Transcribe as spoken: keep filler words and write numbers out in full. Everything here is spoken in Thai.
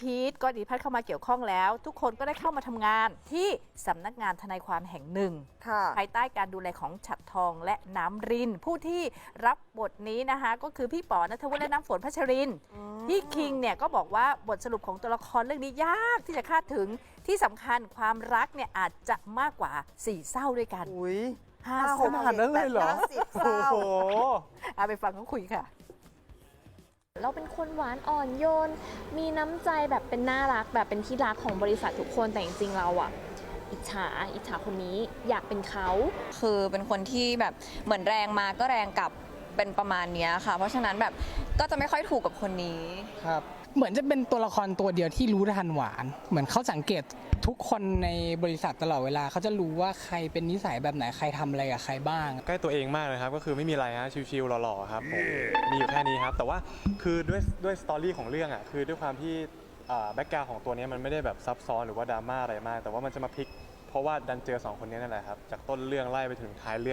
พีทก็ดีพัฒน์เข้ามาเกี่ยวข้องแล้ว ทุกคนก็ได้เข้ามาทำงานที่สำนักงานทนายความแห่งหนึ่งภายใต้การดูแลของฉัตรทองและน้ำรินผู้ที่รับบทนี้นะคะก็คือพี่ป๋อณัฐวุฒิและน้ำฝนพัชรินพี่คิงเนี่ยก็บอกว่าบทสรุปของตัวละครเรื่องนี้ยากที่จะคาดถึงที่สำคัญความรักเนี่ยอาจจะมากกว่าสี่เศร้าด้วยกันห้าเศร้าขนาดนั้นเลยเหรอโอ้โหเอาไปฟังเขาคุยค่ะเราเป็นคนหวานอ่อนโยนมีน้ำใจแบบเป็นน่ารักแบบเป็นที่รักของบริษัททุกคนแต่จริงๆเราอะอิจฉาอิจฉาคนนี้อยากเป็นเขาคือเป็นคนที่แบบเหมือนแรงมาก็แรงกลับเป็นประมาณนี้ค่ะเพราะฉะนั้นแบบก็จะไม่ค่อยถูกกับคนนี้ครับเหมือนจะเป็นตัวละครตัวเดียวที่รู้ทันหวานเหมือนเขาสังเกตทุกคนในบริษัทตลอดเวลาเขาจะรู้ว่าใครเป็นนิสัยแบบไหนใครทำอะไรกับใครบ้างใกล้ตัวเองมากเลยครับก็คือไม่มีอะไรฮะชิวๆหล่อๆครับผมมีอยู่แค่นี้ครับแต่ว่าคือด้วยด้วยสตอรี่ของเรื่องอ่ะคือด้วยความที่แบ็กกราวด์ของตัวนี้มันไม่ได้แบบซับซ้อนหรือว่าดราม่าอะไรมากแต่ว่ามันจะมาพลิกเพราะว่าดันเจอสองคนนี้นั่นแหละครับจากต้นเรื่องไล่ไปถึงท้ายเรื่อง